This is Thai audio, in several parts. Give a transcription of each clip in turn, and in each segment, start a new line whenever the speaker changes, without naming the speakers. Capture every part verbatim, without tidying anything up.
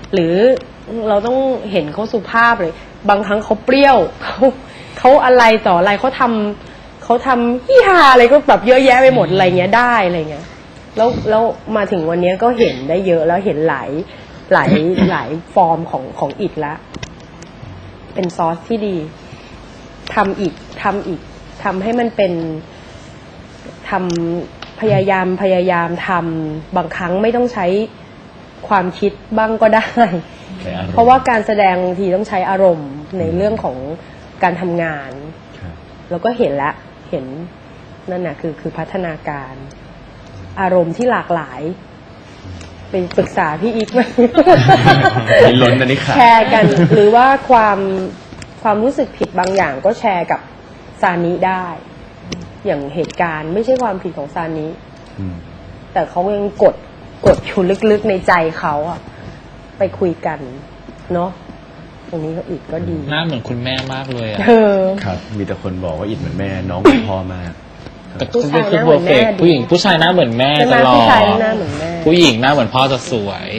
หรือเราต้องเห็นเขาสุภาพเลยบางครั้งเขาเปรี้ยวเขาเขาอะไรต่ออะไรเขาทำเขาทำฮิฮาอะไรก็แบบเยอะแยะไปหมดอะไรเงี้ยได้อะไรเงี้ยแล้วแล้วมาถึงวันนี้ก็เห็นได้เยอะแล้วเห็นหลายหลายหลายฟอร์มของของอิฐละเป็นซอสที่ดีทำอีกทำอีกทำให้มันเป็นทำพยายามพยายามทำบางครั้งไม่ต้องใช้ความคิดบ้างก็ได้เพราะว่าการแสดงบางทีต้องใช้อารมณ์ในเรื่องของการทำงานแล้วก็เห็นละเห็นนั่นน่ะคือคือพัฒนาการอารมณ์ที่หลากหลายไปปรึกษาพี่อีกไหม
ล้นอันนี้ค่ะ
แชร์กันหรือว่าความความรู้สึกผิดบางอย่างก็แชร์กับซานิได้อย่างเหตุการณ์ไม่ใช่ความผิดของซานิแต่เขายังกดกดอยู่ลึกๆในใจเขาอะไปคุยกันเนาะตรงนี้ก็อิดก็ดี
หน้าเหมือนคุณแม่มากเลยอะ
ครับมีแต่คนบอกว่าอิดเหมือนแม่น้องเหมือนพ่อมาก
แต่ผู้ชายหน้าเหมือนแม่ผู้หญิงผู้ชายหน้าเหมือนแม่ตลอดผู้ชายหน้าเหมือนแม่ผู้หญิงหน้าเหมือนพ่อจะสวย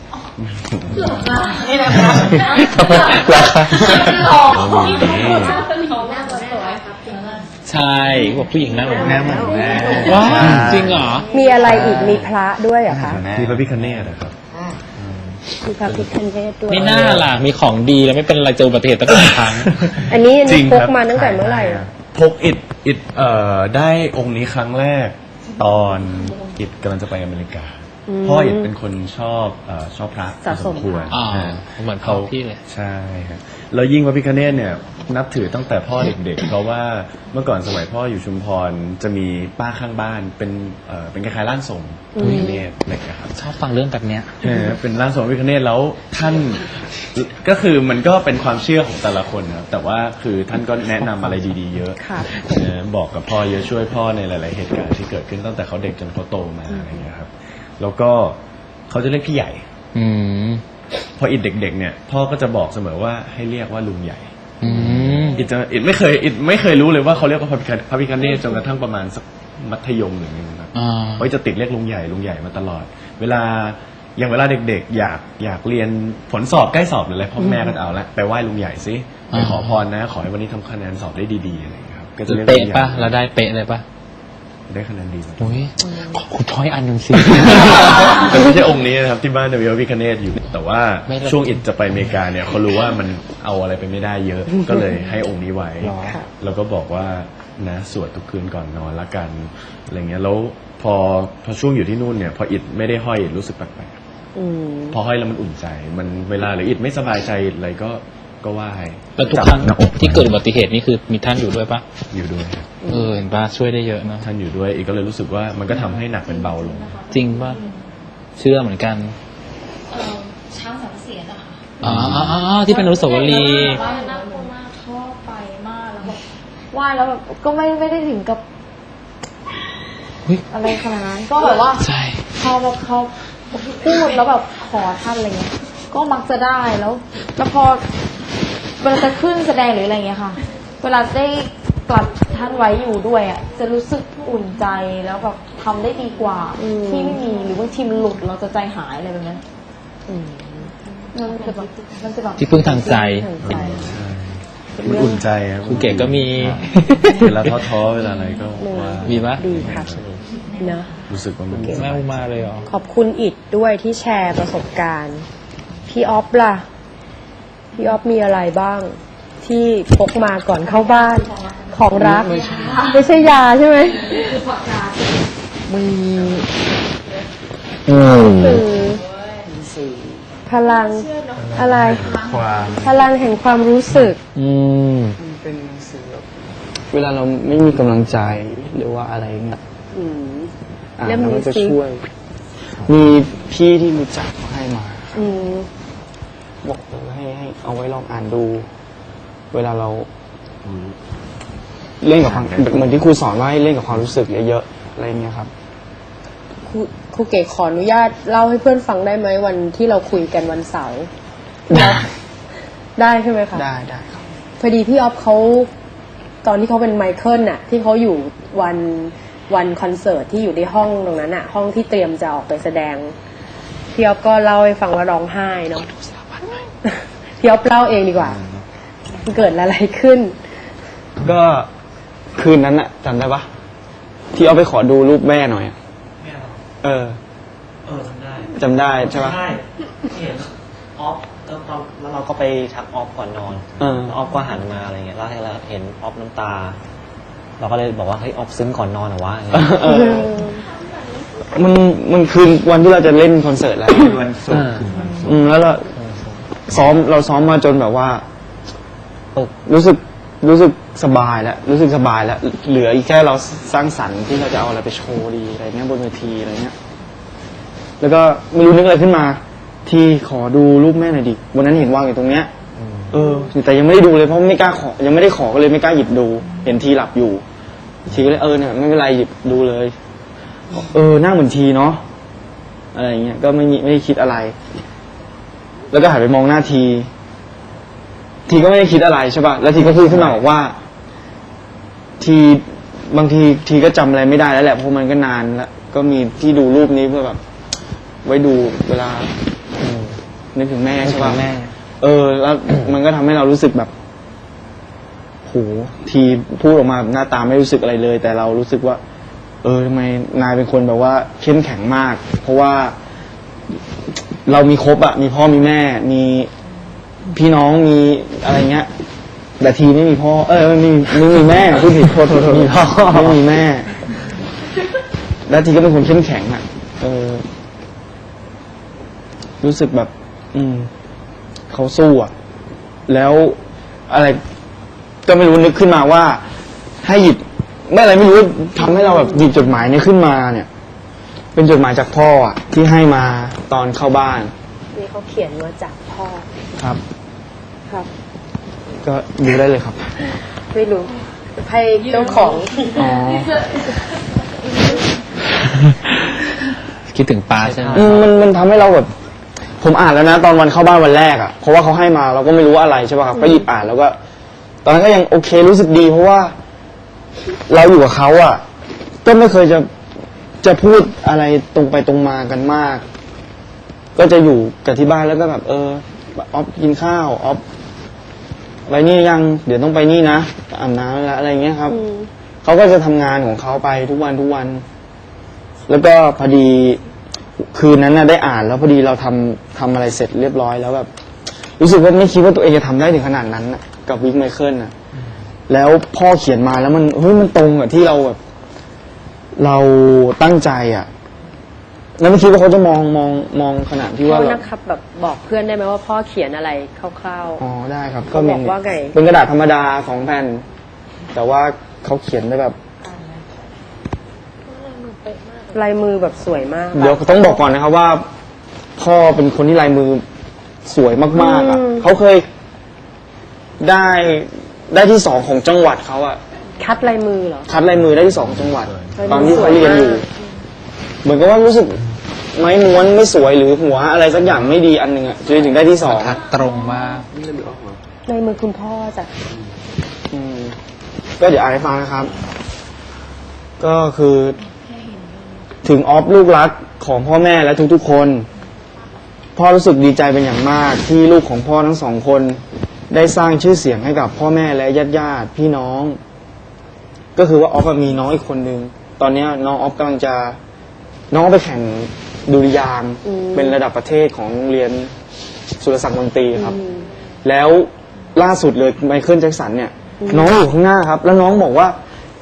นี่แหละครับใช่บอกผู้หญิงหน้าเหมือนแม่เหมือนแม่ว้าจริงเหรอ
มีอะไรอีกมีพระด้วยเหรอคะ
มีพระพิฆเนศนะครับ
มีพระพิฆเนศด้วย
ไม่น่าล่ะมีของดีแล้วไม่เป็นอะไรเจออุบัติเหตุตั้งหลายครั้ง
อันนี้พกมาตั้งแต่เมื่อไหร่
พกอิดอิดเอ่อได้องค์นี้ครั้งแรกตอนอิดกำลังจะไปอเมริกาพ่ออิดเป็นคนชอบเอ่อชอบพระ
สะสม
ควร
เหมือนเขาพี่เลย
ใช่ครับแล้วยิ่งพระพิฆเนศเนี่ยนับถือตั้งแต่พ่อเด็กๆเพราะว่าเมื่อก่อนสมัยพ่ออยู่ชุมพรจะมีป้าข้างบ้านเป็นเอ่อเป็นคล้ายๆร่างทรงพระพิฆเนศอะไรอย่างเงี้ยครับ
ชอบฟังเรื่องแบบเนี้ย
เป็นร่างทรงพระพิฆเนศแล้วท่านก็คือมันก็เป็นความเชื่อของแต่ละคนนะแต่ว่าคือท่านก็แนะนำอะไรดีๆเยอะบอกกับพ่อเยอะช่วยพ่อในหลายๆเหตุการณ์ที่เกิดขึ้นตั้งแต่เขาเด็กจนเขาโตมาอะไรอย่างเงี้ยครับแล้วก็เขาจะเรียกพี่ใหญ่พออิดเด็กๆเนี่ยพ่อก็จะบอกเสมอว่าให้เรียกว่าลุงใหญ่อิดจะอิดไม่เคยอิดไม่เคยรู้เลยว่าเขาเรียกว่าพระพิฆเนศจนกระทั่งประมาณสักมัธยมหรือไงนะครับเขาจะติดเรียกลุงใหญ่ลุงใหญ่มาตลอดเวลาอย่างเวลาเด็กๆอยากอยากเรียนผลสอบใกล้สอบหรืออะไรพ่อแม่ก็เอาละไปไหว้ลุงใหญ่สิไปขอพรนะขอให้วันนี้ทำคะแนนสอบได้ดีๆอะไรอย่างเงี้ยครับ
ก็จะเรียกเป๊ะป่ะแล้วได้เป๊ะเลยป่ะ
ได้คะแนนดี
โอ้ยขอคุณช้อยอันหนึ่งสิ
แต่ไม่ใช่องค์นี้นะครับที่บ้านเดวิลวิคเนตอยู่แต่ว่าช่วงอิดจะไปอเมริกาเนี่ยเขารู้ว่ามันเอาอะไรไปไม่ได้เยอะก็เลยให้องค์นี้ไว้แล้วก็บอกว่านะสวดทุกคืนก่อนนอนละกันอะไรเงี้ยแล้วพอพอช่วงอยู่ที่นู่นเนี่ยพออิดไม่ได้ห้อยอิดรู้สึกแปลกๆพอห้อยแล้วมันอุ่นใจมันเวลาหรืออิดไม่สบายใจอะไรก็ก็ไหว้
แล้วทุกครั้งที่เกิดอุบัติเหตุนี่คือมีท่านอยู่ด้วยปะ
อยู่ด้วย
เออเห็นปะช่วยได้เยอะนะ
ท่านอยู่ด้วยอีกก็เลยรู้สึกว่ามันก็ทำให้หนักเป็นเบาลง
จริงปะเชื่อเหมือนกัน
ช้างสามเสียนอะค่ะ
อ๋อที่เป็นอนุสาวรีย์
ว่าน่ากลัวมากชอบไปมากแล้วแบบไหว้แล้วแบบก็ไม่ไม่ได้ถึงกับอะไรขนาดนั้นก็แบบว่าเขาแบบเขาพูดแล้วแบบขอท่านอะไรเงี้ยก็มักจะได้แล้วแล้วพอเวลาจะขึ้นแสดงหรืออะไรเงี้ยค่ะเวลาได้กลับท่านไว้อยู่ด้วยอ่ะจะรู้สึกอุ่นใจแล้วแบบทำได้ดีกว่าที่ไม่มีหรือบางทีมันหลุดเราจะใจหายอะไรแบบนั้นมันจะแบบมันจะแบบ
ที่พึ่งทางใจ
มันอุ่นใจครับ
คุณเก๋ก็มี
เวลาท้อๆเวลาอะไรก็ว่า
มีปะ
ดีค่ะนะ
รู้สึกว่ามัน
แม่อุมาเลยเหรอ
ขอบคุณอิดด้วยที่แชร์ประสบการณ์พี่ออฟล่ะพี่ออฟมีอะไรบ้างที่พกมาก่อนเข้าบ้านของรักไม่ใช่ยาใช่ไหม
มี
คือพลังอะไรพลังแห่งความรู้สึก
อืมเป็นสื่อเวลาเราไม่มีกำลังใจหรือว่าอะไรเงี้ยอ่านแล้วมันจะช่วยมีพี่ที่รู้จักเขาให้มาบอกให้ให้เอาไว้ลองอ่านดู เวลาเราเล่นกับความเหมือนที่ครูสอนว่าให้เล่นกับความรู้สึกเยอะๆอะไรเงี้ยครับ
ครูครูเก๋ขออนุญาตเล่าให้เพื่อนฟังได้ไหมวันที่เราคุยกันวันเสาร์ได้ได้ใช่ไหมคะ
ได้ได้ครับ
พอดีพี่ออฟเขาตอนที่เขาเป็นไมเคิลน่ะที่เขาอยู่วันวันคอนเสิร์ตที่อยู่ในห้องตรงนั้นน่ะห้องที่เตรียมจะออกไปแสดงพี่อ๊อฟก็เล่าให้ฟังว่าร้องไห้เนาะพี่อ๊อฟเล่าเองดีกว่ามันเกิดอะไรขึ้น
ก็คืนนั้นอะจำได้ปะที่เอาไปขอดูรูปแม่หน่อยอะเออ
เออจำได้
จำได้ใช่ปะ
ใช่เห็นออฟแล้วเราแล้วเราก็ไปทักออฟก่อนนอน
เออ
แล้วออฟก็หันมาอะไรเงี้ยแล้วให้เราเห็นออฟน้ำตา เราก็เลยบอกว่าเฮ้ยออฟซึ้งก่อนนอนเหรอวะอะไรเงี้ย
เออมันมันคืนวันที่เราจะเล่นคอนเสิร์ตแล้ว
วันศุกร์คืนวันศุกร์
อืมแล้วเราซ้อมเราซ้อมมาจนแบบว่ารู้สึกรู้สึกสบายแล้วรู้สึกสบายแล้วเหลืออีกแค่เราสร้างสรรค์ที่เราจะเอาอะไรไปโชว์ดีอะไรเงี้ยบนเวทีอะไรเงี้ยแล้วก็ไม่รู้นึกอะไรขึ้นมา ที่ขอดูรูปแม่หน่อยดิวันนั้นเห็นวางอยู่ตรงเนี้ยเออแต่ยังไม่ได้ดูเลยเพราะไม่กล้าขอยังไม่ได้ขอก็เลยไม่กล้าหยิบดู เห็นทีหลับอยู่ทีก็เลยเออเนี่ยไม่เป็นไรหยิบดูเลยเออหน้าเหมือนทีเนาะอะไรเงี้ยก็ไม่มีไม่ได้คิดอะไร แล้วก็หันไปมองหน้าที ทีก็ไม่ได้คิดอะไรใช่ป่ะ แล้วทีก็พูดขึ้นมาบอกว่า ทีบางทีทีก็จำอะไรไม่ได้แล้วแหละเพราะมันก็นานแล้วก็มีที่ดูรูปนี้เพื่อแบบ ไว้ดูเวลานึกถึงแม่ใช่ป่ะ
แม่
เออ แล้วมันก็ทำให้เรารู้สึกแบบโหทีพูดออกมาหน้าตาไม่รู้สึกอะไรเลย แต่เรารู้สึกว่า เออทำไมนายเป็นคนแบบว่าเข้มแข็งมาก เพราะว่า เรามีครบอะมีพ่อมีแม่ มีพี่น้องมีอะไรเงี้ยแต่ทีไม่มีพ่อเออไม่มีไม่มีแม่พูดผิดโทษโทษโทษมีพ่อไม่มีแม่ แล้วทีก็เป็นคนเข้มแข็งอะเออ รู้สึกแบบ อืมเขาสู้อะแล้วอะไร ก็ไม่รู้นึกขึ้นมาว่า ให้หยิบไม่อะไรไม่รู้ทำให้เราแบบหยิบจดหมายนี้ขึ้นมาเนี่ย เป็นจดหมายจากพ่ออะที่ให้มาตอนเข้าบ้าน
นี่เขาเขียนมาจากพ่อ
ครับ
ครับ
ก็ดูได้เลยครับ
ไม่รู้ให้เจ้าของ
อ๋อ
คิดถึงป้าใช่ไหม
อืมมันมันทำให้เราแบบ ผมอ่านแล้วนะตอนวันเข้าบ้านวันแรกอ่ะเพราะว่าเขาให้มาเราก็ไม่รู้ว่าอะไรใช่ป่ะครับก็หยิบอ่านแล้วก็ ตอนนั้นก็ยังโอเครู้สึกดี เพราะว่า เราอยู่กับเขาอ่ะก็ไม่เคยจะจะพูดอะไรตรงไปตรงมากันมาก ก็จะอยู่กับที่บ้านแล้วก็แบบ เออออฟกินข้าวออฟไปนี่ยังเดี๋ยวต้องไปนี่นะอาบน้ำแล้วอะไรเงี้ยครับเขาก็จะทำงานของเขาไปทุกวันทุกวัน แล้วก็พอดีคืนนั้นน่ะได้อ่านแล้วพอดีเราทำทำอะไรเสร็จเรียบร้อยแล้วแบบรู้สึกว่าไม่คิดว่าตัวเองจะทำได้ถึงขนาดนั้นน่ะกับวิกไมเคิลน่ะแล้วพ่อเขียนมาแล้วมันเฮ้ยมันตรงกับที่เราแบบ เราตั้งใจอ่ะแล้วไม่คิดว่าเขาจะมองมองมองขนาดที่ว่า
เขา
แบบ
นะครับแบบบอกเพื่อนได้ไหมว่าพ่อเขียนอะไรคร่าว
อ๋อได้ครับ
เขาบอกว่าไง
เป็นกระดาษธรรมดาสองแผ่นแต่ว่าเขาเขียนได้แบบ
ๆลายมือแบบสวยมาก
เดี๋ยวต้องบอกก่อนนะครับว่า พ่อเป็นคนที่ลายมือสวยมากๆอ่ะเขาเคยได้ได้ที่สองของจังหวัดเขาอ่ะ
คัดลายมือเหรอ
คัดลายมือได้ที่สองของจังหวัด
ลายมือ
ตอนที่เขาเรียนอยู่
สวยมาก
เหมือนกับว่ารู้สึกไม้ม้วนไม่สวยหรือหัวอะไรสักอย่างไม่ดีอันหนึ่งอ่ะจนถึงได้ที่สอง
ทัดตรงมาก
ลายมือคุณพ่อจ้ะ
อืมก็เดี๋ยวอ่านให้ฟังนะครับ ก็คือ ถึงออฟลูกรักของพ่อแม่และทุกๆคน พ่อรู้สึกดีใจเป็นอย่างมากที่ลูกของพ่อทั้งสองคน ได้สร้างชื่อเสียงให้กับพ่อแม่และญาติญาติพี่น้อง ก็คือว่าออฟมีน้องอีกคนนึงตอนนี้น้องออฟกำลังจะน้องไปแข่งดุริยางค์เป็นระดับประเทศของโรงเรียนสุรศักดิ์มนตรีครับ แล้วล่าสุดเลยไมเคิลแจ็คสันเนี่ย น้องอยู่ข้างหน้าครับ แล้วน้องบอกว่า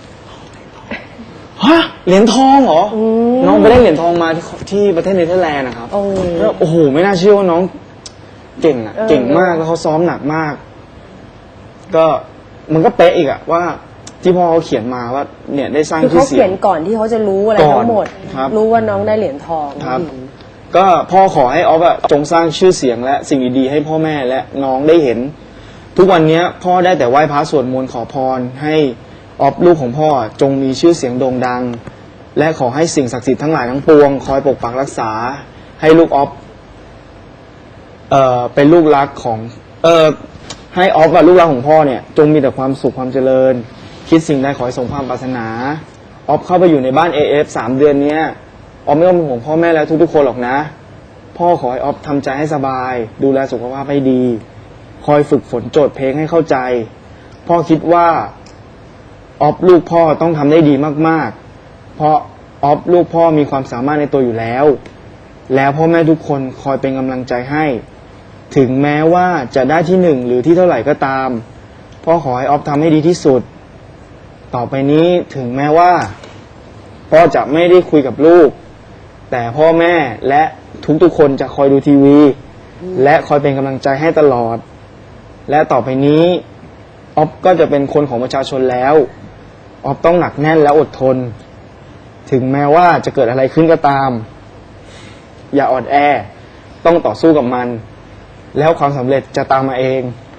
ฮะเหรียญทองเหรอน้องไปได้เหรียญทองมาที่ที่ประเทศเนเธอร์แลนด์นะครับ
โอ้
แล้วโอ้โหไม่น่าเชื่อว่าน้องเก่งอ่ะ
เออ
เก่งมากแล้วเขาซ้อมหนักมาก ก็มันก็เป๊ะอีกอ่ะว่าที่พ่อเขาเขียนมาว่า เนี่ยได้สร้าง
คือ
ชื่
เขา
อเสี
เขี
ย
ย
ง
นก่อนที่เขาจะรู้อะไร
ก่อน
ทั้งหมด
ครับ
รู้ว่าน้องได้เหรียญทอง
ครับ ก็พ่อขอให้ออฟอะจงสร้างชื่อเสียงและสิ่งดีๆให้พ่อแม่และน้องได้เห็น ทุกวันนี้พ่อได้แต่ไหว้พระสวดมนต์ขอพรให้ออฟลูกของพ่อจงมีชื่อเสียงโด่งดัง และขอให้สิ่งศักดิ์สิทธิ์ทั้งหลายทั้งปวงคอยปกปักรักษา ให้ลูกออฟเอ่อเป็นลูกรักของ เอ่อให้ออฟกับลูกรักของพ่อเนี่ยจงมีแต่ความสุขความเจริญ คิดสิ่งใดขอให้สมความปรารถนาออฟเข้าไปอยู่ในบ้าน เอ เอฟ สามเดือนเนี้ยออฟไม่ต้องเป็นห่วงพ่อแม่แล้วทุกๆคนหรอกนะพ่อขอให้ออฟทำใจให้สบาย ดูแลสุขภาพให้ดี คอยฝึกฝนโจทย์เพลงให้เข้าใจ พ่อคิดว่าออฟลูกพ่อต้องทำได้ดีมากๆ เพราะออฟลูกพ่อมีความสามารถในตัวอยู่แล้ว แล้วพ่อแม่ทุกคนคอยเป็นกำลังใจให้ ถึงแม้ว่าจะได้ที่หนึ่งหรือที่เท่าไหร่ก็ตามพ่อขอให้ออฟทำให้ดีที่สุด ต่อไปนี้ถึงแม้ว่าพ่อจะไม่ได้คุยกับลูก แต่พ่อแม่และทุกๆคนจะคอยดูทีวี และคอยเป็นกำลังใจให้ตลอด และต่อไปนี้ออฟก็จะเป็นคนของประชาชนแล้วออฟต้องหนักแน่นและอดทน ถึงแม้ว่าจะเกิดอะไรขึ้นก็ตาม อย่าอ่อนแอต้องต่อสู้กับมัน แล้วความสำเร็จจะตามมาเอง